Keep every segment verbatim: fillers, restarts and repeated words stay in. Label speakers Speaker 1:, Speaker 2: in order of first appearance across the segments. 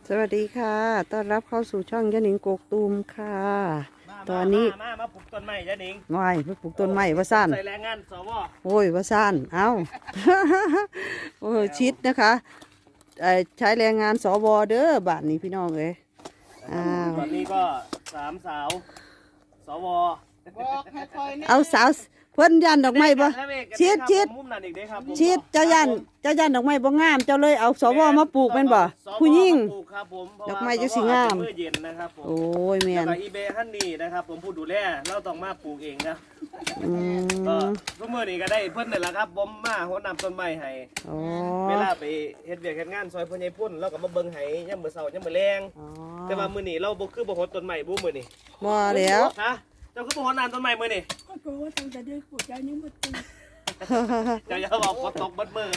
Speaker 1: สวัสดีค่ะต้อนรับเข้าสู่ช่องยะหนิงกกตูมค่ะตอนนี้
Speaker 2: มามาปลูกต้นไม้ยะหนิง
Speaker 1: วายไปปลูกต้นไม้ว่าสั้น
Speaker 2: ใส่แรงงานสว
Speaker 1: โอ้ยว่าสั้นเอ้า โอ้ยชิดนะคะใช้แรงงานสวเด้อบ้านนี้พี่น้องเอ้ยอ้าว
Speaker 2: ตอนนี้ก็สามสาวสว
Speaker 1: เอาสาวเพิ่นยันดอกไม้บ่ชิดชิดชิดเจ้ายันเจ้ายันดอกไม้บ่งามเจ้าเลยเอาสวมาปลูกแม่นบ่ผู้หญิงดอกไม้จะสิงามโอ้ยแม่น
Speaker 2: อีเบฮันนี่นะครับผมผู้ดูแลเราต้องมาปลูกเองนะก็ทุกมื้อนี้ก็ได้เพิ่นนี่แหละครับผมมาโหนำต้นไม้ให้เวลาไปเฮ็ดเวียกเฮ็ดงานซอยพ่อใหญ่พุ่นเราก็มาเบิ่งให้ยามมื้อเช้ายามมื้อแลงแต่ว่ามื้อนี้เราบ่คือบ่โหดต้นไม้บ่มื้อนี้
Speaker 1: บ่แล้ว
Speaker 2: ฮะเจ้าคือบ่โหดน้ำต้นไม้มื้อนี้
Speaker 3: ก็กลัวว่าตั้งแต่เด็กปลูกใจยังบ่ตื่น
Speaker 2: เจ้าอย่าบอกฝนตกเบิดมื้อ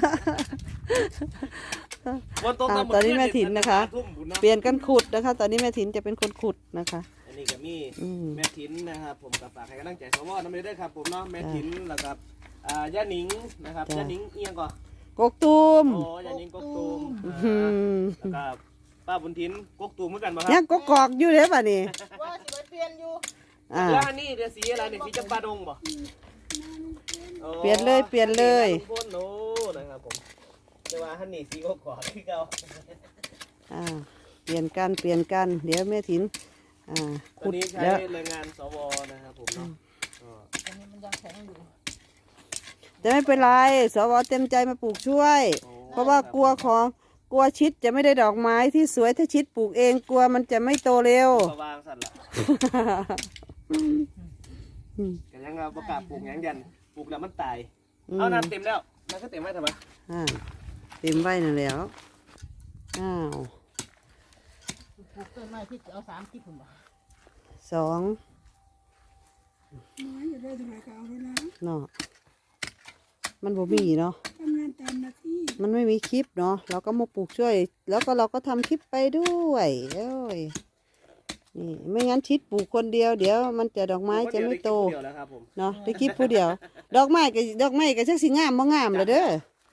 Speaker 1: ตอนนี้แม่ถิ่นนะคะเปลี่ยนกันขุดนะคะตอนนี้แม่ถิ่นจะเป็นคนขุดนะคะ
Speaker 2: อันนี้ก็มีแม่ถิ่นนะครับผมกับฝากให้กำลังใจสวน้ำเลยด้วยครับผมเนาะแม่ถิ่นแล้วกับย่าหนิงนะครับย่าหนิงเอียงก่อน
Speaker 1: กกตูม
Speaker 2: โอ้ย่าหนิงกกตูมแล้วก็ป้าบุญถิ่นกกตูมเหมือนกันป่ะครับ
Speaker 1: ยังกกอกอยู่เลยป่ะนี่
Speaker 3: ว่าสิเปลี่ยนอยู่
Speaker 2: แล้วอันนี้เดี๋ยวสีอะไรเนี่ยสีจำปาดงป่ะ
Speaker 1: เปลี่ยนเลยเปลี่ยนเลย
Speaker 2: พ่นโน้นะครับผมจะว่าฮันนี่สีกกอกที่เก่า
Speaker 1: อ่าเปลี่ยนกันเปลี่ยนกันเดี๋ยวแม่ถิ่นอ่า
Speaker 2: ขุดแล้วแรงงานสวนะครับผมเนาะ
Speaker 3: อันนี้มันยังแข็งอยู่
Speaker 1: จะไม่เป็นไรสวเต็มใจมาปลูกช่วยเพราะว่ากลัวของกลัวชิดจะไม่ได้ดอกไม้ที่สวยถ้าชิดปลูกเองกลัวมันจะไม่โตเร็ว
Speaker 2: วางสั่นละกันยังเราประกาศปลูกยังยันปลูกแล้วมันตายเอาน้ำเต็มแล้วมันก็เต็มไว้ทำไม
Speaker 1: อ่าเต็มไว้นั่นแล้วอ้าว
Speaker 3: ปลูกต้นไม้ที่เอาสามที่ผมบอก
Speaker 1: สอง
Speaker 3: น้อยอยู่ได้ทำไมก็เอาไว้นะ
Speaker 1: เนาะมันบ่มีเนาะ
Speaker 3: ทำงานตามหน้าที่
Speaker 1: มันไม่มีคลิปเนาะเราก็มาปลูกช่วยแล้วก็เราก็ทำคลิปไปด้วยเอ้ยนี่ไม่งั้นชิดปลูกคนเดียวเดี๋ยวมันจะดอกไม้จะไม่โตเนาะได้คลิปผู้เดียวดอกไม้กับดอกไม้กับชักสีงามบ่งามเลยเด้อ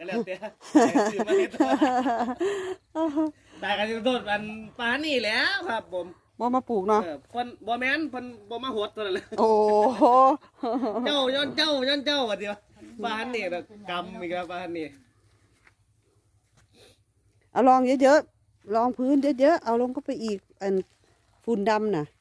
Speaker 2: ได้กันโดดมันปานี่แล้วครับผม
Speaker 1: บ่มาปลูกเนาะ
Speaker 2: คนบ่แม่นคนบ่มาหดตัวเลย
Speaker 1: โอ้
Speaker 2: เจ้าย้อนเจ้าย้อนเจ้าอ่ะเดียวปานนี่แบบกำอีกแล้วปานนี่
Speaker 1: เอาลองเยอะๆลองพื้นเยอะๆเอาลงก็ไปอีกอันฝุ่นดำน่ะ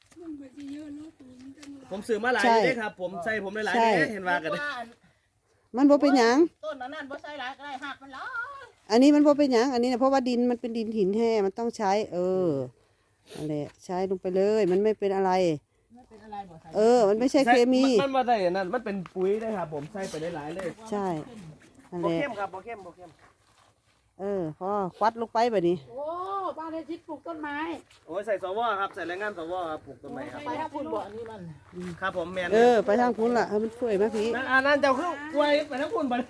Speaker 2: ผมซื้อมาหลายเลยครับผมใส่ผมหลายเลยเห็นว่ากัน
Speaker 1: มันบ่เป็นหยัง
Speaker 3: ต้นนั้นบ่ใส่หลายก็ได้หักมันหลาย
Speaker 1: อันนี้มันบ่เป็นหยังอันนี้นะเพราะว่าดินมันเป็นดินหินแห้มันต้องใช้เอออะไรใช้ลงไปเลยมันไม่เป็นอะไรเออมันไม่ใช่เคมี
Speaker 2: มันมาได้นั่นมันเป็นปุ๋ยได้ครับผมใส่ไปได้หลายเลย
Speaker 1: ใช่
Speaker 2: โบเข้มครับโบเข้มโบเข้ม
Speaker 1: เออพอควัดลงไปแบบนี้
Speaker 3: โอ้บ้านได้ชิดปลูกต้นไม้
Speaker 2: โอ้ยใส่สวครับใส่แรงงานสวครับปลูกต้นไม้ครับ
Speaker 3: ไปทางพุ่นบ่อันนี้มัน
Speaker 2: ครับผมแมน
Speaker 1: เออไปทางพุ่นล่ะให้มันช่วยไหมพี่
Speaker 2: นั่นอันนั้นเจ้าคือป่วยไปทางพุ่นไป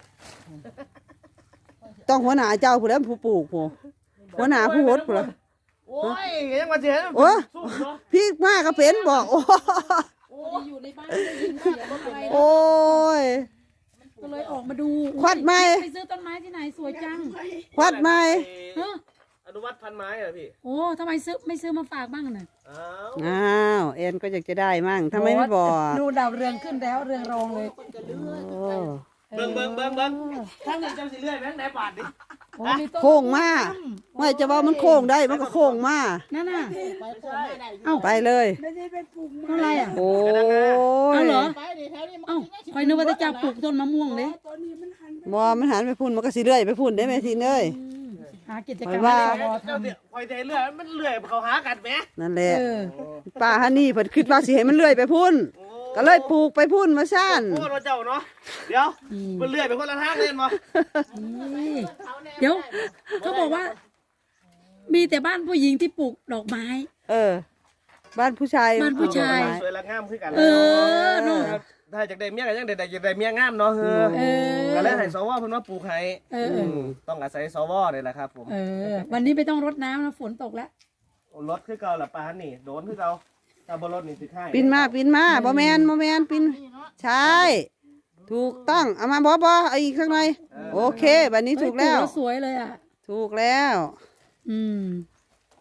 Speaker 1: ต้องหัวหน้าเจ้าผู้แล้วผู้ปลูกผู้หัวหน้าผู้หดผู้ละ
Speaker 2: โอ้ยยังมาเสีย
Speaker 1: โอ้พี่มากก็เป็นบอกโอ้
Speaker 3: อยู่ในบ้านได้ยินเสียงอะไร
Speaker 1: โอ้ย
Speaker 3: ก็เลยออกมาดู
Speaker 1: ควัดไม้
Speaker 3: ไปซื้อต้นไม้ที่ไหนสวยจัง
Speaker 1: ควัดไม้
Speaker 2: อนุวัตพันไม้เหรอพี่
Speaker 3: โอ้ทำไมซื้อไม่ซื้อมาฝากบ้างน่ะ
Speaker 1: อ้าวเอ็นก็อยากจะได้มั่งทำไมไม่บอก
Speaker 3: ดูดาวเรืองขึ้นแล้วเรืองรองเลย
Speaker 2: เบิ้งเบิ้งเบิ้งเบิ้งถ้าเงินจะสิเลื่อยแบงค์ไหนบาทดิ
Speaker 1: โค้งมาไม่จะว่ามันโค้งได้มันก็โค้งมา
Speaker 3: นั่นน่ะ
Speaker 1: เอาไปเลย
Speaker 3: เท่าไรอ่ะ
Speaker 1: โอ้
Speaker 3: ยเอาเหรอเอ้าคอยนึกว่าจะจับปลูกต้นมะม่วงเลย
Speaker 1: บ่มันหันไปพุ่นมันก็สิเลื่อยไปพุ่นได้ไหมทีเลย
Speaker 3: หากิจกรรม
Speaker 2: ให้เราทำคอยใจเลื่อยมันเลื่อยเขาหากันไหม
Speaker 1: นั่นแหละป้าฮันนี่เพิ่นคิดว่าสิให้มันเลื่อยไปพุ่นก็เลยปลูกไปพุ่นมาสั้น
Speaker 2: โอ้เราเจ้าเนาะเดี๋ยวมันเลื่อยไปคนละทางเล่นมา
Speaker 3: เดี๋ยวเขาบอกว่ามีแต่บ้านผู้หญิงที่ปลูกดอกไม้
Speaker 1: เออบ้านผู้ชาย
Speaker 3: บ้านผู้ชาย
Speaker 2: สวยละงามขึ้นกัน
Speaker 3: เออเนาะ
Speaker 2: ถ้าจากได้เมียกันยังได้ได้ได้เมียงามเนาะเออก็เลยให้สวเพิ่นมาปลูกให้ต้องอาศัยสวนี่แหละครับผม
Speaker 3: เออวันนี้ไม่ต้องรดน้ำนะฝนตกแล้ว
Speaker 2: รถคือเก่าละปานนี่โดนคือเก่าถ้าบ่รถนี่สิให้
Speaker 1: ปินมาปินมาบ่แมนบ่แมนปินใช่ถูกต้องเอามาบ่บ่เอาอีกข้างในโอเคแบบนี้ถูกแล้ว
Speaker 3: สวยเลยอ่ะ
Speaker 1: ถูกแล้ว
Speaker 3: อืม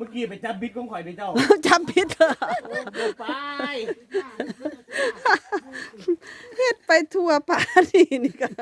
Speaker 2: มื่อกี้ไปจับบิ๊กของข่อยไปเจ้า
Speaker 1: จำผิดเหรอ
Speaker 2: ไป
Speaker 1: เฮ็ดไปทั่วป่านี่นี่ก็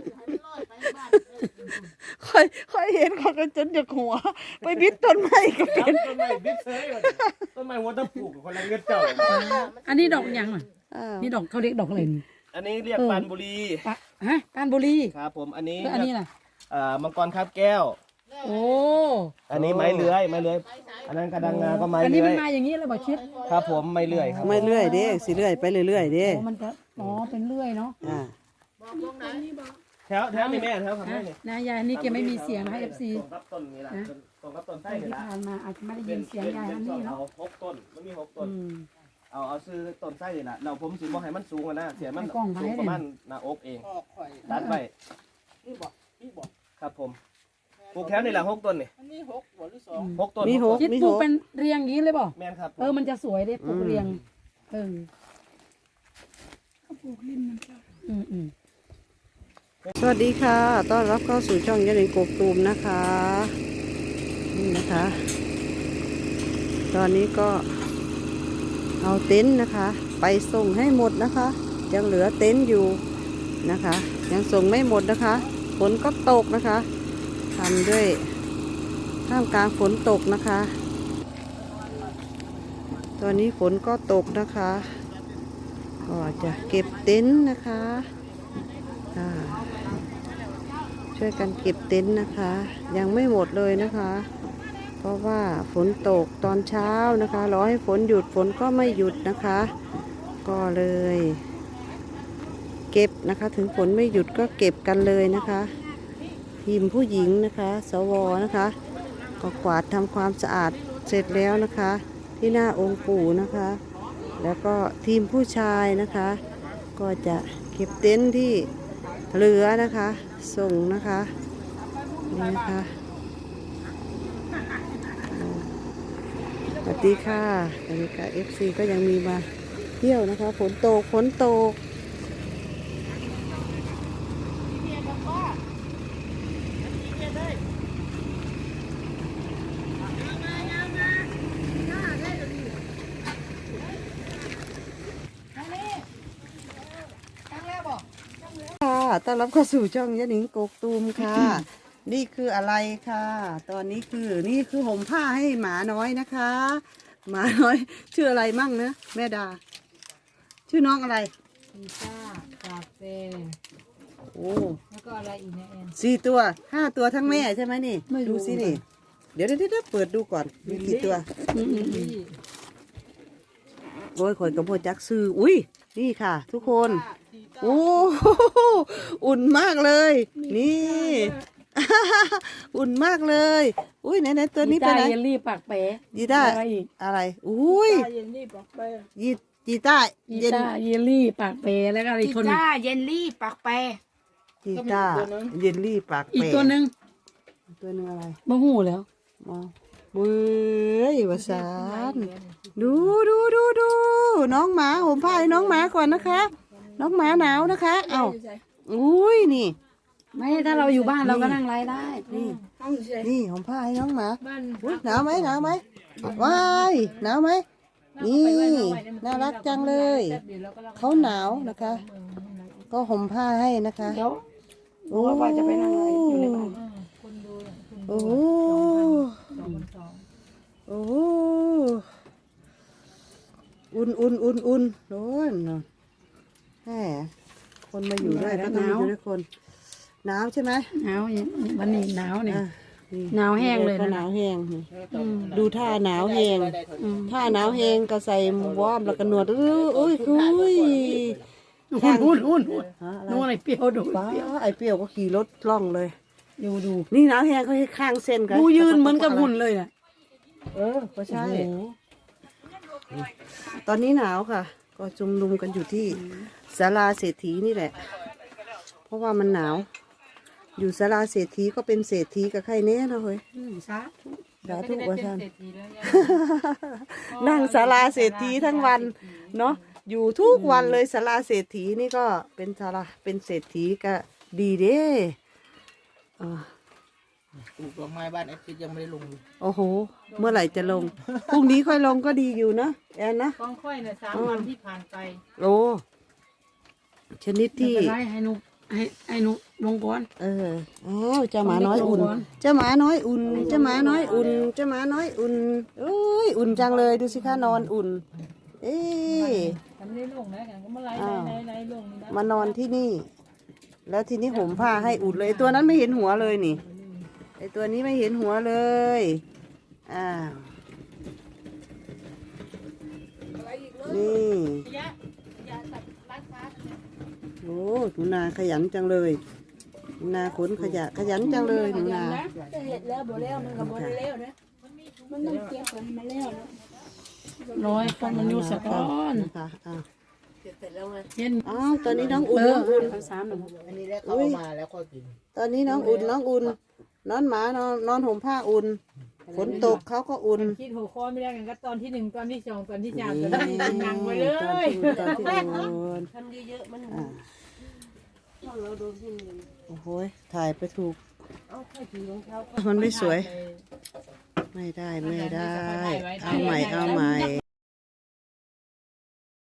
Speaker 1: ค่อยค่อยเห็นเขาก็จนจะหัว ไปบิดต้นไม้ก็
Speaker 2: จั
Speaker 1: เป็
Speaker 2: บ
Speaker 1: น
Speaker 2: ต้นไม้บิ๊กเซยต้นไม้หัวตะปลูกคนละเงินเจ้า
Speaker 3: อันนี้ดอกหยังอ่ะ
Speaker 1: อ้าว
Speaker 3: นี่ดอกเขาเรียกดอกอะไรนี่
Speaker 2: อันนี้เรียกปานบุรี
Speaker 3: ปะฮะการบุรี
Speaker 2: ครับผมอันนี้
Speaker 3: แล้วอันนี้น่ะ
Speaker 2: เอ่อมังกรคาบแก้ว
Speaker 3: โอ้
Speaker 2: อันนี้ไม้เลื้อยไม้เลื้อยอันนั้นกระดังงาก็ไม้
Speaker 3: อันนี้
Speaker 2: เลื้
Speaker 3: มั
Speaker 2: อน ย
Speaker 3: มาอย่างนี้เลยบอกชิด
Speaker 2: ครับผมไม้เลื้อยครับ
Speaker 1: ไม่เรื่อยเด้สิเรื่อยไปเรื่อยๆเด้
Speaker 3: โอ้มันจะอ๋อเป็นเลื่อยเนาะ
Speaker 1: อ่า
Speaker 2: แถวแถวนี่แม่แถวข้างใน
Speaker 3: นะ
Speaker 2: นี่
Speaker 3: นายยายนี่แกไม่มีเสียงนะคะเอฟซี
Speaker 2: ตรงกับต้นนี่แหละตรงกับต้นไส้
Speaker 3: ที่
Speaker 2: นี่แหละ
Speaker 3: ผ่านมาอาจจะไม่ได้ยินเสียงยายอันนี้
Speaker 2: เอา
Speaker 3: เนาะ
Speaker 2: หกต้นมันมีหกต้น
Speaker 3: อืม
Speaker 2: เอาเอาซื้อต้นไส้นี่แหละเราผมสิบ่ให้มันสูงอะนะเสียมัน
Speaker 3: ให้กล้องไว้
Speaker 2: สูงประมาณหน้าอกเองตัดไปครับผมปลูกแถวนี่แหละหกต้นนี่หกต้น
Speaker 1: มีหก
Speaker 3: คิด
Speaker 1: มี
Speaker 3: ป
Speaker 1: ห
Speaker 3: ลูก
Speaker 1: ก
Speaker 3: เป็นเรียงอย่างนี้เลยบ่
Speaker 2: แม่นครับ
Speaker 3: เออมันจะสวยได้ปลูกเรียงเอออืมอืม
Speaker 1: สวัสดีค่ะ ต้อนรับเข้าสู่ช่องยานิงกกตูมนะคะ นี่นะคะ ตอนนี้ก็เอาเต็นท์นะคะ ไปส่งให้หมดนะคะ ยังเหลือเต็นท์อยู่นะคะ ยังส่งไม่หมดนะคะฝนก็ตกนะคะทำด้วยท่ามกลางฝนตกนะคะ ตอนนี้ฝนก็ตกนะคะ ก็จะเก็บเต็นท์นะคะอ่าช่วยกันเก็บเต็นท์นะคะ ยังไม่หมดเลยนะคะ เพราะว่าฝนตกตอนเช้านะคะรอให้ฝนหยุดฝนก็ไม่หยุดนะคะ ก็เลย เก็บนะคะ ถึงฝนไม่หยุดก็เก็บกันเลยนะคะ ทีมผู้หญิงนะคะ สวนะคะ ก็กวาดทำความสะอาดเสร็จแล้วนะคะ ที่หน้าองค์ปู่นะคะ แล้วก็ทีมผู้ชายนะคะ ก็จะเก็บเต็นท์ที่เหลือนะคะ ส่งนะคะนี่นะคะสวัสดีค่ะสวัสดีค่ะ เอฟ ซี ก็ยังมีมาเที่ยวนะคะฝนตกฝนตกค่ะต้อนรับเข้าสู่ช่องยะหนิงกกตูมค่ะ นี่คืออะไรค่ะ ตอนนี้คือนี่คือห่มผ้าให้หมาน้อยนะคะ หมาน้อย ชื่ออะไรมั่งนะแม่ดา ชื่อน้องอะไร
Speaker 3: พิซซ่ากาแฟ
Speaker 1: โอ้
Speaker 3: แล้วก็อะไรอีกเนี่ยแอน
Speaker 1: สี่ตัวห้าตัวทั้งแม่ใช่ไหมนี่
Speaker 3: ไม่รู้
Speaker 1: ดูสินี่ เดี๋ยวเดี๋ยวเดี๋ยวเปิดดูก่อนมีกี่ตัว
Speaker 3: อืมอืมอืม
Speaker 1: โอ้ยข่อยกระโปจักซื้ออุ้ยนี่ค่ะ ทุกคน โอ้โหอุ่นมากเลย นี่ อุ่นมากเลย อุ้ยไหนไหนตัวนี้ไป
Speaker 3: กีตา
Speaker 1: ไหน
Speaker 3: ร์เยลลี่ปากเป๋
Speaker 1: ยีต้า
Speaker 3: อะไรอีก
Speaker 1: อะไรอุ้ย
Speaker 3: เยลลี่ปากเป๋
Speaker 1: ยีจีต้า
Speaker 3: กี
Speaker 1: เย็น
Speaker 3: ตาร์เยลลี่ปากเป๋แล้วก็อะไรอีกคนหนึ่ง
Speaker 4: จ้าเยนลี่ปากแปร
Speaker 1: จีต้าเยลลี่ปาก
Speaker 3: อีก
Speaker 1: เป๋
Speaker 3: ตัวหนึ่ง
Speaker 1: ตัวหนึงอะไร
Speaker 3: บ่หูแล้ว
Speaker 1: มองเบ้ยวาสานดูดูดูดูน้องหมาห่มผ้าให้น้องหมาก่อนนะคะ น้องหมาหนาวนะคะ เอ้าอุ้ยนี่
Speaker 3: ไม่ถ้าเราอยู่บ้านเราก็นั่งไลฟ์ได้
Speaker 1: นี่นี่ห่มผ้าให้น้องหมาอุ๊ยหนาวไหมหนาวไหมว้ายหนาวไหมนี่น่ารักจังเลย เขาหนาวนะคะ ก็ห่มผ้าให้นะคะ
Speaker 3: เดี๋ยว
Speaker 1: โอ้
Speaker 3: ว่าจะไปนั่งไลฟ์อยู่ในบ้าน
Speaker 1: โอ้โหโอ้โหอุ่นอุ่นอุ่นอุ่นโอ้ยเนาะแหมคนมาอยู่ด้วยก็ต้องอยู่ด้วยคนหนาวใช่ไหม
Speaker 3: หนาวอย่างวันนี้หนาวเนี่ย
Speaker 1: อ่ะนี่
Speaker 3: หนาวแห้งเลยนะ
Speaker 1: ก็หนาวแห้งนี่
Speaker 3: อืม
Speaker 1: ดูท่าหนาวแห้ง
Speaker 3: อืม
Speaker 1: ท่าหนาวแห้งก็ใส่วอร์มแล้วก็หนวดอื้ออุ้ยคุย
Speaker 3: หุ่นหุ่นหุ่นหุ่น
Speaker 1: ฮะอะไร
Speaker 3: นู่นอะไรเปรี้ยวดู
Speaker 1: ป้าไอเปรี้ยวก็ขี่รถล่องเลย
Speaker 3: ดูดู
Speaker 1: นี่หนาวแห้งเขาให้ข้างเส้นกัน
Speaker 3: ดูยืนเหมือนกับหุ่นเลยน่ะ
Speaker 1: เออก็ใช่
Speaker 3: โอ้โห
Speaker 1: ตอนนี้หนาวค่ะ ก็จุมนุมกันอยู่ที่ศาลาเศรษฐีนี่แหละ เพราะว่ามันหนาว อยู่ศาลาเศรษฐีก็เป็นเศรษฐีกับใครเนี้ยนะเฮ้ย
Speaker 3: อืมซะ
Speaker 1: สาธุว่าท่านนั่งศาลาเศรษฐีทั้งวันเนาะอยู่ทุกวันเลยศาลาเศรษฐีนี่ก็เป็นศาลาเป็นเศรษฐีก็ดีเด้เออ
Speaker 4: ปลูกดอกไม้บ้านแอดคิดยังไม่ได้ลงเลย
Speaker 1: โอ้โห เมื่อไหร่จะลง พรุ่งนี้ค่อยลงก็ดีอยู่นะแอนนะ
Speaker 5: กองค่อยเนี่ยสามวันที่ผ่านไป
Speaker 1: โอ้ชนิด
Speaker 3: ไม่
Speaker 1: ที่
Speaker 3: เป็นไรให้หนุให้ให้หนุลงก่อน
Speaker 1: เอออ้าวเจ้าหมาน้อยอุ่น
Speaker 3: ลงก่อน
Speaker 1: เจ้าหมาน้อยอุ่น เจ้าหมาน้อยอุ่น เจ้าหมาน้อยอุ่นเอ้ยอุ่นจังเลยดูสิคะนอนอุ่น เอ๊ะ
Speaker 5: ทำได้ลงนะกันก็มาไล่
Speaker 1: อ้าว
Speaker 5: ไล่ไล่ลงนี่นะ
Speaker 1: มานอนที่นี่ แล้วทีนี้ห่มผ้าให้อุ่นเลยไอ้ตัวนั้นไม่เห็นหัวเลยนี่ไอตัวนี้ไม่เห็นหัวเลยอ้าวนี่
Speaker 5: ยะยะตัดร้านค้าเนี่ย
Speaker 1: โอ้หนูนาขยันจังเลยหนูนาขนขยะขยันจังเลยหนูนา
Speaker 3: จะเห็ดแล้วบ่แล้วมันก็บ่ได้แล้วนะมันต้องเก็บก่อนให้มันแล้วนะร้อยคนมันอยู่สะก้อน
Speaker 1: นะคะอ้าว
Speaker 3: เห็น
Speaker 1: อ้าวตอนนี้น้องอุ่น
Speaker 3: เออ
Speaker 1: น้องอุ่น
Speaker 3: เอาสามหนึ่ง
Speaker 4: อันนี้แล้วเขาเอามาแล้วก็กิน
Speaker 1: ตอนนี้น้องอุ่นน้องอุ่นนอนหมานอนนอนห่มผ้าอุ่นฝนตกเขาก็อุ่น
Speaker 5: คิดหัวข้อไม่ได้กันก็ตอนที่หนึ่งตอนที่สองตอนที่สาม
Speaker 1: นี่
Speaker 5: ตอนที่สี่นั่งไปเลย
Speaker 1: ตอนที่ตอนที่อุ่น
Speaker 5: ทำเยอะๆมัน
Speaker 1: อ่า
Speaker 5: เราโดนที่หนึ่ง
Speaker 1: โอ้โหถ่ายไปถูก
Speaker 5: เอาแค่ถือของเขา
Speaker 1: มันไม่สวย ไม่ได้ไม่ได้ เอาใหม่เอาใหม่
Speaker 3: ยัก